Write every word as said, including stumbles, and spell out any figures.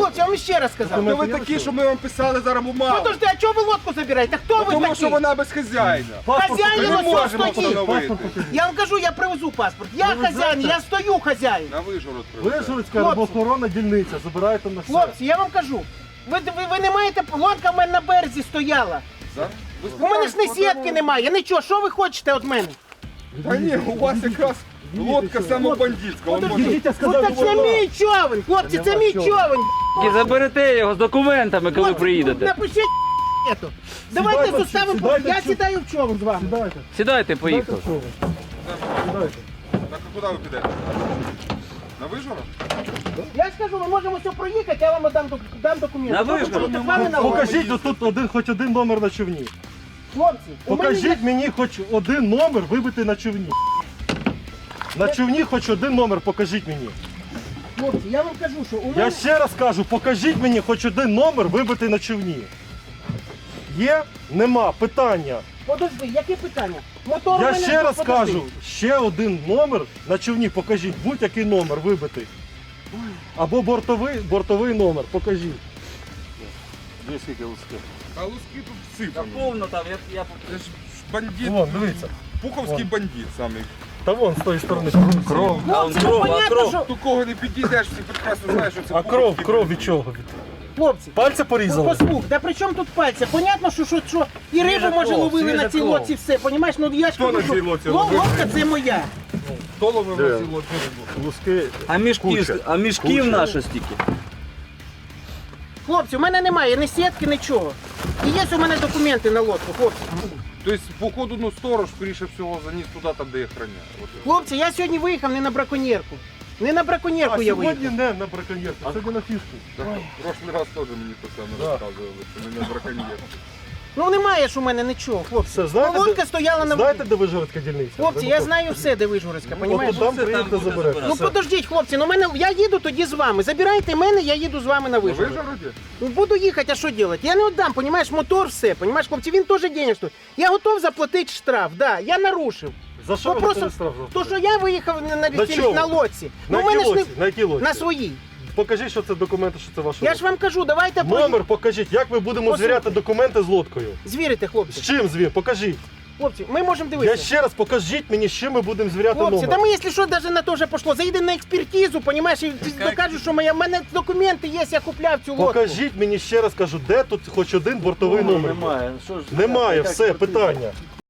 Хлопці, я вам ще раз сказав. Хто ви такі, що ми вам писали зараз бумагу? Подожди, а чого ви лодку забираєте? Хто ви Тому такі? що вона без хазяїна. Хазяїн Ми ось можемо стоїть. встановити. Я вам кажу, я привезу паспорт. Я хазяїн, я стою хазяїн. На Вишгород привезли. Вишгородська Хлопці. рибоохоронна дільниця, забирайте на все. Хлопці, я вам кажу. Ви, ви, ви не маєте, лодка в мене на березі стояла. Зараз? Ви У мене ж не спитаєте, сітки немає, нічого, що ви хочете від мене? Та ні, у вас якраз лодка саме бандитська. Вон може- Ідіть, я Ну сказав, так це мій човен, хлопці, це мій човен. І заберете його з документами, коли Хлопці, приїдете. Напишіть ету. Давайте Сідайте, составимо, сідайте, я сю- сідаю в човен з вами. Сідайте, Сідайте, поїхали. сідайте. Сідайте. Так, а куди ви підете? На Вишгород? Я ж кажу, ми можемо все проїхати, я вам дам, док- дам документи. На Тільки Вишгород будете з вами на лодці. Покажіть отут один, хоч один номер на човні. Хлопці, у мене є... Покажіть мені хоч один номер вибитий на човні. На човні хоч один номер покажіть мені. Хлопці, я вам кажу, що у Я мене... ще раз кажу, покажіть мені хоч один номер вибитий на човні. Є? Нема. Питання. Подожди, яке питання? Мотор у Я мене ще тут, раз подожди. кажу, ще один номер на човні покажіть. Будь-який номер вибитий. Або бортовий, бортовий номер. Покажіть. Де скільки луски? А луски тут всипані. Повно там, я, я... Це ж бандит. Вон, дивіться. Пуховський бандит самий. Та вон з тої сторони. Кров. Хлопці, ну кров, а понятно, кров. що... До кого не підійдеш, всі прекрасно знаєш, що це А кров, Пуховський кров бандит. від чого? Хлопці, Пальця ну, порізали? послух, да при чому тут пальця? Понятно, що, що, що і рибу, може, кров, ловили свіжа на цій кров. лодці, все, понімаєш? Ну, я ж Хто кажу, на що цій лодці ло- ловив? лодка це моя. Хто ловив на цій лодці рибу? Луски. А мішків, Куча. а мішків Куча. наша стільки. Хлопці, у мене немає ні сітки, нічого. І є у мене документи на лодку, хлопці. Тобто, походу, ну сторож, скоріше всього, заніс туди, там, де їх храняє. От. Хлопці, я сьогодні виїхав не на браконьєрку. Не на браконьєрку А я сьогодні виїхав. не на браконьєрку, сьогодні на фішку. Так, прошлий раз теж мені те саме розказували, що не на браконьєр. Ну немає ж у мене нічого, хлопці. Все, знаєте, Лодка де- стояла на Знаєте, де Вишгородська дільниця? Хлопці, я знаю все, де Вишгородська, От понімаєш? там Все, приїдете, там буде заберете. забирати. Ну Все. подождіть, хлопці, ну мене я їду тоді з вами. Забирайте мене, я їду з вами на На Вишгород. Вишгороді? Ну, буду їхати, а що робити? Я не віддам, понімаєш, мотор все, понімаєш, хлопці, він теж денег стоїть. Я готов заплатити штраф, да, я нарушив. За що Ну, ви просто готові штраф То, заплатити? що я виїхав на, на, На цій- чому? на лодці. На Ну, в якій мене ж лодці? На якій лодці? на своїй. Покажіть, що це документи, що це ваша Я лодка. ж вам кажу, давайте Номер покажіть, як ми будемо Послухайте. звіряти документи з лодкою? звірите, З хлопці. чим звір? Покажіть. Хлопці, ми можемо Я дивитися. ще раз покажіть мені, з чим ми будемо звіряти Хлопці, номер. да ми, якщо що, навіть на то вже пішло. Заїдемо на експертизу, понімаєш, і докажуть, що моя, в мене документи є, я купляв цю лодку. Покажіть мені ще раз кажу, де тут хоч один бортовий номер. Немає. Що ж, Немає, як все, потрібно? питання.